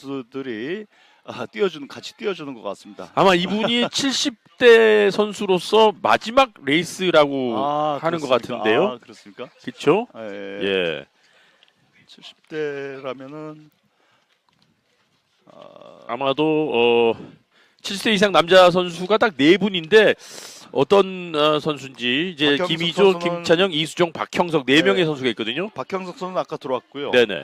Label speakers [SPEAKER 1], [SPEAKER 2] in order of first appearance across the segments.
[SPEAKER 1] 선수들이 같이 뛰어주는 것 같습니다.
[SPEAKER 2] 아마 이분이 70대 선수로서 마지막 레이스라고 하는 것
[SPEAKER 1] 그렇습니까?
[SPEAKER 2] 같은데요.
[SPEAKER 1] 그렇습니까?
[SPEAKER 2] 그렇죠?
[SPEAKER 1] 예.
[SPEAKER 2] 예.
[SPEAKER 1] 70대라면은
[SPEAKER 2] 아마도 70대 이상 남자 선수가 딱 4분인데 어떤 선수인지 이제
[SPEAKER 1] 박형석
[SPEAKER 2] 김희조,
[SPEAKER 1] 선수는-
[SPEAKER 2] 김찬영, 이수종, 박형석 4명의
[SPEAKER 1] 네.
[SPEAKER 2] 선수가 있거든요.
[SPEAKER 1] 박형석 선수는 아까 들어왔고요.
[SPEAKER 2] 네네.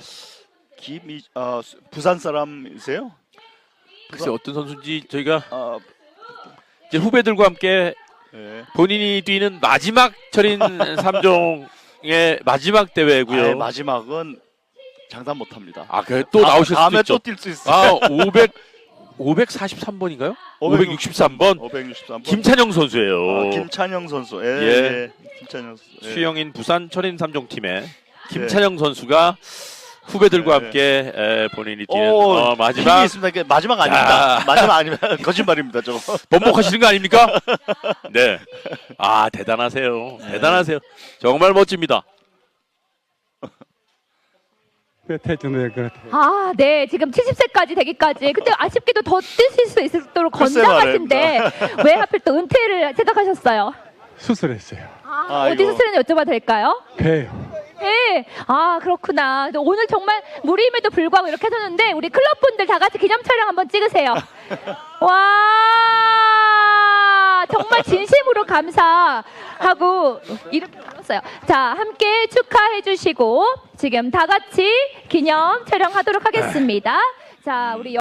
[SPEAKER 1] 부산 사람이세요?
[SPEAKER 2] 글쎄 어떤 선수인지 저희가
[SPEAKER 1] 아,
[SPEAKER 2] 이제 후배들과 함께
[SPEAKER 1] 예.
[SPEAKER 2] 본인이 뛰는 마지막 철인 3종의 마지막 대회고요.
[SPEAKER 1] 마지막은 장담 못합니다.
[SPEAKER 2] 또 나오실 수도
[SPEAKER 1] 다음에
[SPEAKER 2] 있죠.
[SPEAKER 1] 또 뛸 수 있어요.
[SPEAKER 2] 543번인가요? 563번
[SPEAKER 1] 563번.
[SPEAKER 2] 김찬영 선수예요.
[SPEAKER 1] 김찬영 선수. 예.
[SPEAKER 2] 예.
[SPEAKER 1] 예. 김찬영 선수. 예.
[SPEAKER 2] 수영인 부산 철인 3종 팀의 김찬영 선수가 후배들과
[SPEAKER 1] 네.
[SPEAKER 2] 함께 본인이 뛰는
[SPEAKER 1] 힘이
[SPEAKER 2] 마지막
[SPEAKER 1] 있습니다. 이게 마지막 아닙니다. 마지막 아니면 거짓말입니다. 저거.
[SPEAKER 2] 번복하시는 거 아닙니까? 네. 대단하세요. 대단하세요. 정말 멋집니다.
[SPEAKER 3] 해주는 것 같아요.
[SPEAKER 4] 네. 지금 70세까지 되기까지. 근데 아쉽게도 더 뛰실 수 있도록
[SPEAKER 1] 글쎄
[SPEAKER 4] 건장하신데 왜 하필 또 은퇴를 생각하셨어요?
[SPEAKER 3] 수술했어요.
[SPEAKER 4] 어디
[SPEAKER 1] 아이고.
[SPEAKER 4] 수술했는지 여쭤봐도 될까요?
[SPEAKER 3] 배요.
[SPEAKER 4] 네. 그렇구나. 근데 오늘 정말 무리임에도 불구하고 이렇게 하셨는데 우리 클럽분들 다 같이 기념 촬영 한번 찍으세요. 와, 정말 진심으로 감사하고 이렇게 받았어요. 자, 함께 축하해 주시고 지금 다 같이 기념 촬영하도록 하겠습니다. 자, 우리